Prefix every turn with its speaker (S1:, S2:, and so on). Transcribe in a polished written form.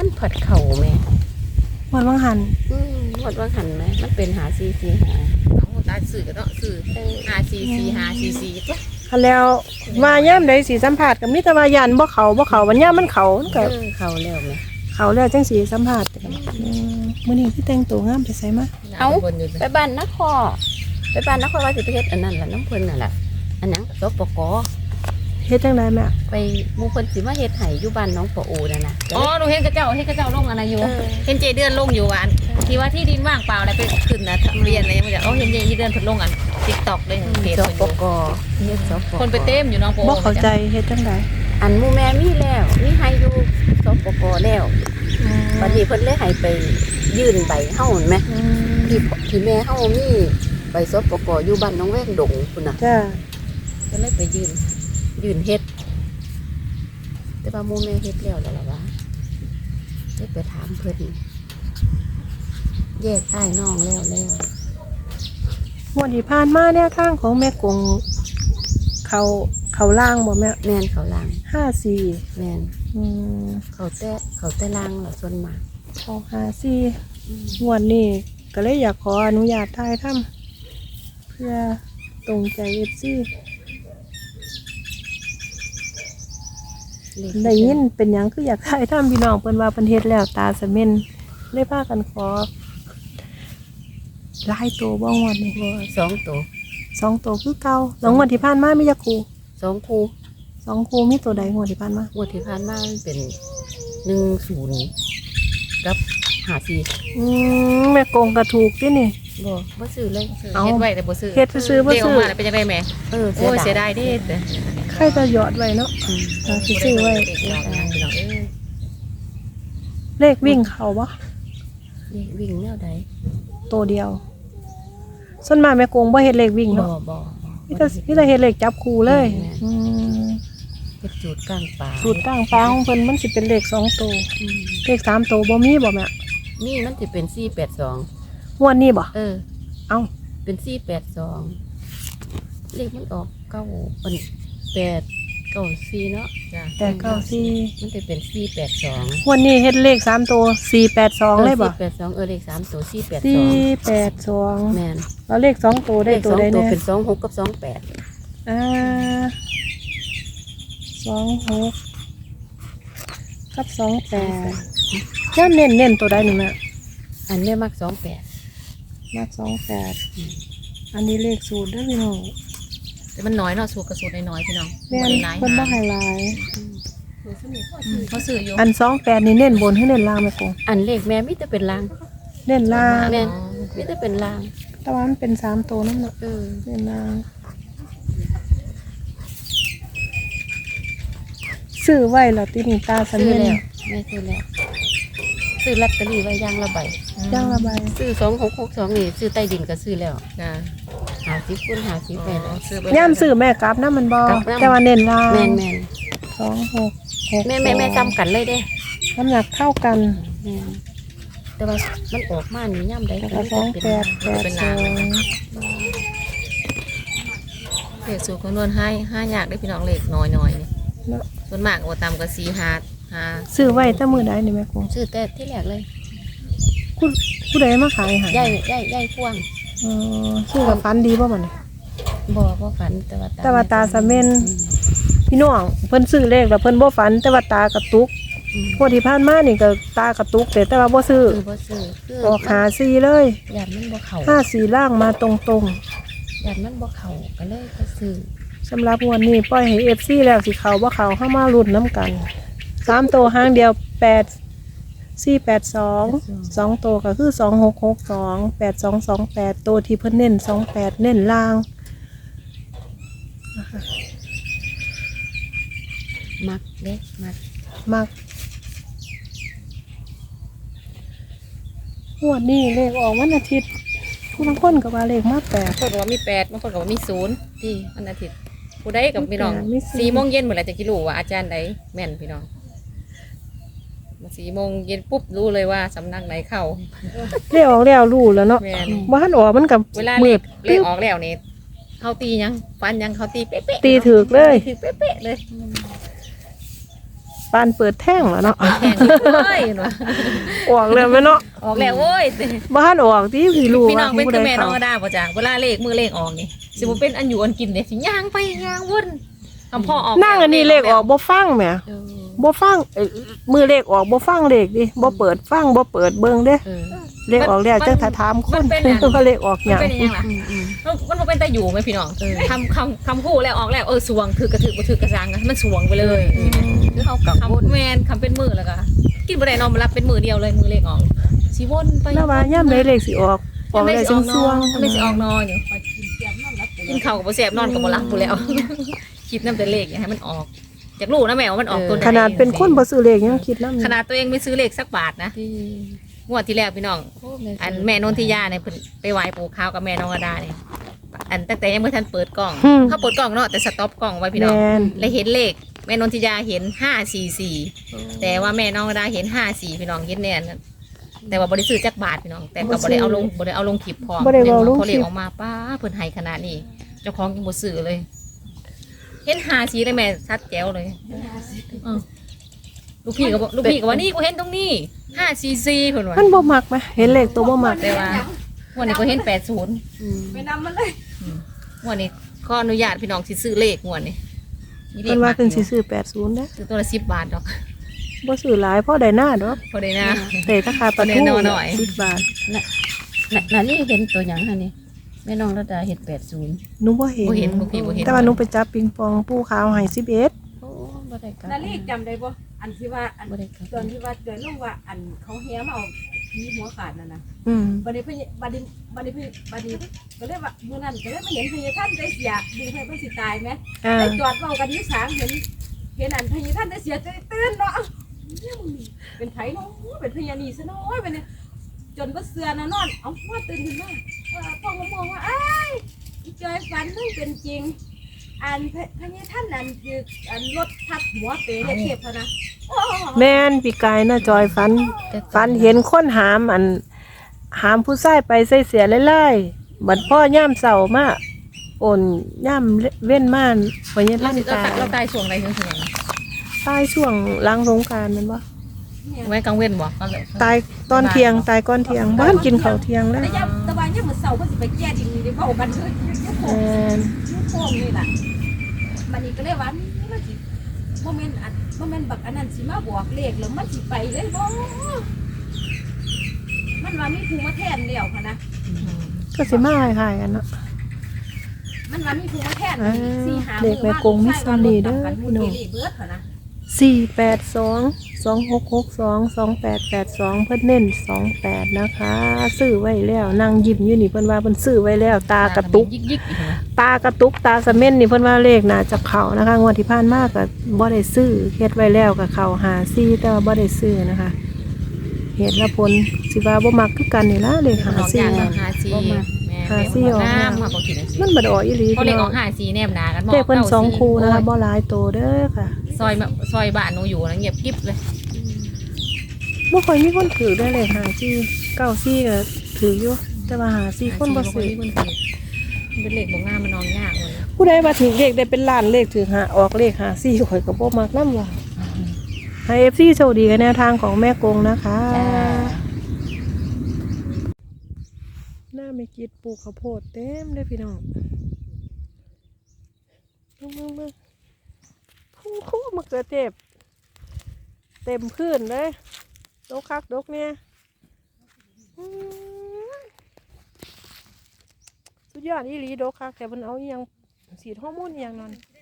S1: มันผัดเข่าแม่
S2: หมดวังหัน
S1: หมดว่าหันไหมมันเป็นหาซีหา
S3: เอาตาสื่อก็เนาะสื่อ5 4 4 5 4 4จ้ะ
S2: คันแล้วว่าย่ามใดสิสัมภาษณ์ก็มีแต่ว่ายันบ่เขาวันย่ามมันเขาก็
S1: เข่าแล้วแม่
S2: เขาแล้วจังสิสัมภาษณ์กันมื้อนี้คือแต่งตัวงามไปไสมา
S1: เอาไปบ้านนครว่าสิไปเฮ็ดอันนั้นล่ะน้ำเพิ่นน่ะล่ะอันนั้นสปก.
S2: เฮ็ดจังได๋แม่
S1: ไปหมู่เพิ่นสิมาเฮ็ดให้อยู่บ้านน้องปอโอนั่นน่ะ
S3: อ๋อหนูเห็นกระเจ้าลงอะไรอยู่เห็นเจเดือนลงอยู่อันที่ว่าที่ดินว่างเปล่าอะไรไปขึ้นนะทะเบียนอะไรยังไม่ได้เห็นเจเดือนเพิ่นลงอัน TikTok เลยเพจ
S1: สปก.เฮ็ดสปก.
S3: คนไปเต็มอยู่น้องโป
S2: บ่เข้าใจเฮ็ดจังได๋
S1: อันหมู่แม่มีแล้วมีให้อยู่สปก.แล้วบัดนี้เพิ่นเลยให้ไปยื่นใบเฮาเห็นมั้ยที่แม่เฮามีใบสปก.อยู่บ้านน้องแวงดงพุ่นน่ะ
S2: จ้า
S1: ก็เลยไปยื่นเฮ็ดแต่ว่าหมู่แม่เฮ็ดแล้วล่ะว่าได้ไปถามเพิ่นแยกอ้ายน้องแล้ว
S2: งวดที่ผ่านมาแนวทางของแม่กงเขาล่างบ่แม่
S1: แม่นเขาล่าง
S2: 54
S1: แม่นเขาแต่ล่างล่ะส่วนมาก
S2: เขา54งวดนี้ก็เลยอยากขออนุญาตถ่ายทำเพื่อตรงใจ FC ได้ยินเป็นหยังคืออยากถ่ายทำพี่น้องเพิ่นว่าเพิ่นเฮ็ดแล้วตาสะเม็นเลยพากันขอหลายตัวบ่งวดนี่
S1: 2ตัว
S2: 2ตัวคือเก่าแล้วงวดที่ผ่านมามีจักคู่
S1: 2คู่
S2: 2คู่มีตัวใดงวดที่ผ่านมาง
S1: วดที่ผ่านมามันเป็น10กับ54
S2: แม่กงก็ถูกตินี่
S1: บ่ซื้อเลย
S3: เฮ็ดไว้แต่บ่ซื้อ
S2: เฮ็ดซื้อบ่ซื้อ
S3: มาเป็นจังได๋แม่
S1: โอ้
S3: เสียดายเด้
S2: ใครจะหยอดไว้เนาะสิซื้อไว้เลขวิ่งเข้าบ่
S1: เลขวิ่งแนวใด
S2: ตัวเดียวส่วนมากแม่กงบ่เฮ็ดเลขวิ่งเนาะ
S1: บ่
S2: มีแต่เฮ็ดเลขจับคู่เลย
S1: เฮ็ดสูตรกลางปลา
S2: ของเพิ่นมันสิเป็นเลข2ตัวเลข3ตัวบ่มีบ่แม่
S1: นี่มันสิเป็น482
S2: งวดนี้บ่เอ้า
S1: เป็น482เลขมันออก9เป็น894เนาะ
S2: จ้ะ894
S1: มันจะเป็น482
S2: งวดนี้เฮ็ดเลข3ตัว482เลยบ่
S1: 482เลข3ตัว
S2: 482
S1: แม่น
S2: แล้วเลข2ตัวได้ตัวใดแน่
S1: เป็น26กับ28
S2: 26กับ28แล้วเน้นตัวใดนี่แม่
S1: อันนี้มัก28
S2: มัก28อันนี้เลขสูตรเด้อพี่น้อง
S3: แต่มันน้อยเนาะสูตรกับสูตรน้อยๆพี่น้อง
S2: แม่นเพิ่นบ่ให้หลาย
S3: เขาซื้ออยู่
S2: อัน28นี่เน้นบนหรือเน้นล่างแม่กง
S1: อันเลขแม่มีแต่เป็นล่าง
S2: เน้นล่าง
S1: แม่นมีแต่เป็นล่าง
S2: แต่ว่ามันเป็น3ตัวนำเนาะเน้นล่างซื้อไว้แล้วตินี่ตาสะเม็น
S1: แม่ซื้อแล้วซื้อลอตเตอรี่ไว้ย่างละใบซื้อ2662นี่ซื้อใต้ดินก็ซื้อแล้ว50คูณ50ไปแล้ว
S2: ย่ำซื้อแม่กลับนะมันบ่แต่ว่าเน้นล่าง
S1: แม่น
S2: 26
S1: แม่จำกันเลยเด้
S2: น้ำหนักเท่ากัน
S1: แต่ว่ามันออกมานี่ย่ำได้
S2: ก็2882
S3: เลขสูตรคำนวณให้ยากได้พี่น้องเลขน้อยนี่ส่วนมากโอตามก็4 5
S2: ซื้อไว้แต่มื้อใดนี่แม่กง
S1: ซื้อแต่ที่แรกเลย
S2: ผู้ใดมาขายให้
S1: ยายพ่วง
S2: ซื้อกับฟันดีบ่มัน
S1: บ่ฝัน
S2: แต่ว่าตาสะเม็นพี่น้องเพิ่นซื้อเลขแล้วเพิ่นบ่ฝันแต่ว่าตากระตุกพวกที่ผ่านมานี่ก็ตากระตุกแต่ว่าบ่ซื้อออก54เลย
S1: ยันมันบ่เข้า
S2: 54ล่างมาตรง
S1: ยันมันบ่เข้าก็เลยก็ซื้อ
S2: สำหรับงวดนี้ปล่อยให้ FC แล้วสิเข้าบ่เข้าเฮามาลุ้นนํกัน3ตัวหางเดียว482 2ตัวก็คือ2662 8228ตัวที่เพิ่นเน้น28เน้นล่างนะคะ
S1: มักเด้
S2: มักงวดนี้เลขออกวันอาทิตย์ผู้บางคนก็ว่าเลขมา8
S3: บางคนก็ว่ามี8บางคนก็ว่ามี0ที่วันอาทิตย์ผู้ใดกับพี่น้อง4 โมงเย็นเมื่อไหร่จะรู้ว่าอาจารย์ใดแม่นพี่น้อง4 โมงเย็นปุ๊บรู้เลยว่าสำนักไหนเข้า
S2: เลขออกแล้วรู้แล้วเนาะบ่ทันออกมันกับ
S3: เวลาเลขออกแล้วนี่เขาตียังฟันยังเขาตีเป๊ะ
S2: ตีถูกเลย
S3: เป๊ะเลย
S2: ปานเปิดแท่งแล้วเนาะ
S3: แข่งเลยเนาะ
S2: ออกแล้วแม่เนาะ
S3: ออกแล้วโอ้ย
S2: บ้านออกที่พี่รู้
S3: พี่น้
S2: ว่า
S3: องเป็น
S2: ผู้
S3: คื
S2: ใด
S3: อแม่น้
S2: เขา
S3: องก็ได้ป่ะจ้ะเวลาเลขมือเลขออกนี่สิบ่เป็นอันอยู่อันกินเนี่ยสิย่างไปย่างวนคำพ่อออก
S2: นั่งอันนี้เลขออกบ่ฟังแหมบ่ฟังมือเลขออกบ่ฟังเลขดิบ่เปิดฟังบ่เปิดเบิ่งเด้ เลขออกแล้วจังถ้าถามคนว่าเลขออกห
S3: มัน
S2: ยัง
S3: เป็นยังไงล่ะมันบ่เป็นตาอยู่ไหมพี่น้องคำคู่แล้วออกแล้วสวงถือกระถือบ่ถือกระซังมันสวงไปเลย
S1: คือเฮากังวล
S3: คำแมนคำเป็นมือแล้วก็กินบ่ได้นอนมารับเป็นมือเดียวเลยมือเลขออกสิวนไป
S2: แล้วว่ายามใดเลขสิออกออกแล้วจังสวง
S3: ไม่สิออกนอนอยู่กินข้าวกับบ่แซ่บนอนกับบ่หลับพู้แล้ว คิดนำแต่เลขให้มันออกอยากรู้นะแม่ว่ามันออกตัวไหน
S2: ขนาดเป็นคนบ่ซื้อเลขยังคิดนำ
S3: ขนาดตัวเองไม่ซื้อเลขสักบาทนะงวดที่แล้วพี่น้อง อันแม่นนทิยาเนี่ยเพิ่นไปไหว้ปู่ขาวกับแม่น้องอดาเนี่ยอันตั้งแต่ยังไม่ทันเปิดกล้องเขาเปิดกล้องเนาะแต่สต็อปกล้องไว้พี่น้อง
S2: แม่น
S3: เลยเห็นเลขแม่นนทิยาเห็น544แต่ว่าแม่น้องอดาเห็น54พี่น้องเห็นแน่นแต่ว่าบ่ได้ซื้อจักบาทพี่น้องแต่ก็บ่ได้เอาลงคลิปพร้อม
S2: บ่ได้เอาลงคลิป
S3: พอเลขออกมาป้าเพิ่นให้ขนาดนี้เจ้าของยังบ่ซื้อเลย เห็น54เลยแม่ชัดแจ๋วเลยลูกพี่ก็ว่านี่กูเห็นตรงนี้544เพิ่นว่า
S2: มันบ่มักไหมเห็นเลขตัวบ่มัก
S3: แต่ว่าวันนี้ก็เห็น80
S1: ไปนำมันเลย
S3: วันนี้ขออนุญาตพี่น้องสิซื้อเลขงวดนี้
S2: เพิ่นว่าเพิ่นสิซื้อ80เด้อ
S3: ซื้อตัวละ10 บาทดอก
S2: บ่ซื้อหลายพอได้หน้าดอก
S3: พอได้นะ
S2: แต่ราคาปลา
S3: แน่
S2: ทู
S3: นอนหน่อย
S2: 10 บาท
S1: น่ะนี่เห็นตัวหยังหั่นนี่แม่น้องระดาเห็น80
S2: หนูบ่เห็น
S3: บ่เห็นบ่พี่บ่เห็น
S2: แต่ว่าหนูไปจับปิงปองปูขาวให้11
S1: โอ้บ่ได้กลับ
S4: นาลีจำได้บ่อันที่ว่าอัน
S1: บ่ได้กลับ
S4: ตอนที่ว่าเดินลงว่าอันเขาเฮียมาเอามีหัวขาดนั่นนะ
S2: อืม
S4: บัดนี้เพิ่นบัดนี้ก็เลยว่ามื้อนั้นก็เลยมาเห็นพญาท่านได้เสียดึงให้เพิ่นสิตายไหม
S2: อ่า
S4: ไปจอดเว้ากันอยู่ศาลเห็นอันพญาท่านได้เสียตื่นเนาะเป็นไผเนาะเป็นพญานีซะน้อยบัดนี้จนบ่เสือนะนอนเอ้าว่าตื่นขึ้นมาพ่อก็มองว่าอ้ายอีจอยฝันมันเป็นจริง อันพญาท่านนั้นคืออันรถทับหัวเป๋เนี่ยเทพเขานะโอ้
S2: แม่นปีกายน่ะจอยฝันเห็นคนหามผู้ชายไปใส่เสียไล่ๆบัดพ่อย่ามเสามาโอนย่ามเว้นม่านพญา
S3: เรา
S2: ท่าน
S3: สิ
S2: ตาย
S3: เราตายช่วงใดช่วงไหน
S2: ตายช่วงหลังสงกรานต์แม่นบ่
S3: ไว้กลางเว้นบ่
S2: ตายตอนเที่ยงตายก่อนเที่ยงบ้านกินข้าวเที่ยงแล้ว
S4: แต่ยังตะวันยังเหมือนเสาเขาสิไปแก้ดินนี่เว้ากันเชื่อยุคโค
S2: แม่น
S4: ยุคโคนี่ล่ะมันนี่ก็เลยว่ามันสิโมเมนต์อันโมเมนต์บักอันนั้นสิมาบอกเลขแล้วมันสิไปเลยบ่มันว่ามีภูมาแทนแล้วค่ะนะ
S2: ก็สิมาคล้ายๆกันเนาะ
S4: มันว่ามีภูมาแทน
S2: อ่า
S4: สี่หา
S2: เลขแม่กงมิสซันนี่เด้อพี่น้อง
S4: เบิดค่ะนะ
S2: 48226622882เพิ่นเน้น28นะคะซื้อไว้แล้วนั่งยิ้มอยู่นี่เพิ่นว่าเพิ่นซื้อไว้แล้วตากระตุก
S3: ยิก
S2: ตากระตุกตาสะเม่นนี่เพิ่นว่าเลขน่าจะเข้านะคะงวดที่ผ่านมาก็บ่ได้ซื้อเฮ็ดไว้แล้วก็เข้า54แต่ว่าบ่ได้ซื้อนะคะเหตุและผลสิว่าบ่มักคือกันนี่ล่ะเลข
S3: ๆน้องอยาก
S2: 54
S3: 54แม่น้ำมาบ่คิดจังซี่
S2: มันบ่ได้ออกอีหลี
S3: พอเล
S2: พี่
S3: ขอ
S2: น้อ
S3: อง ก54แนมหนากัน
S2: เลขเพิ่น2คู่นะคะบ่หลายโตเด้อค่ะ
S3: ซอยบ้านหนูอยู่นะเงียบกิ๊บเลย
S2: บ่ค่อยมีคนถือได้เลย54 94ก็ถืออยู่แต่ว่า54คนบ่ซื้อ
S3: มันเป็นเลขบ่งามมันนองยากเลย
S2: ผู้ใดว่าถือเลขได้เป็นล้านเลขถือหาออกเลข54ข่อยก็บ่มักนำว่าให้ FC โชคดีกับแนวทางของแม่กงนะคะหน้าไม่กิดปลูกข้าวโพดเต็มเลยพี่น้องมึงคู่มะเขือเทศเต็มพื้นเลยดกคักดกเนี่ยสุดยอดอีหลีดกคักแต่มันเอาอหยังสีดฮอร์โมนอหยังนั่น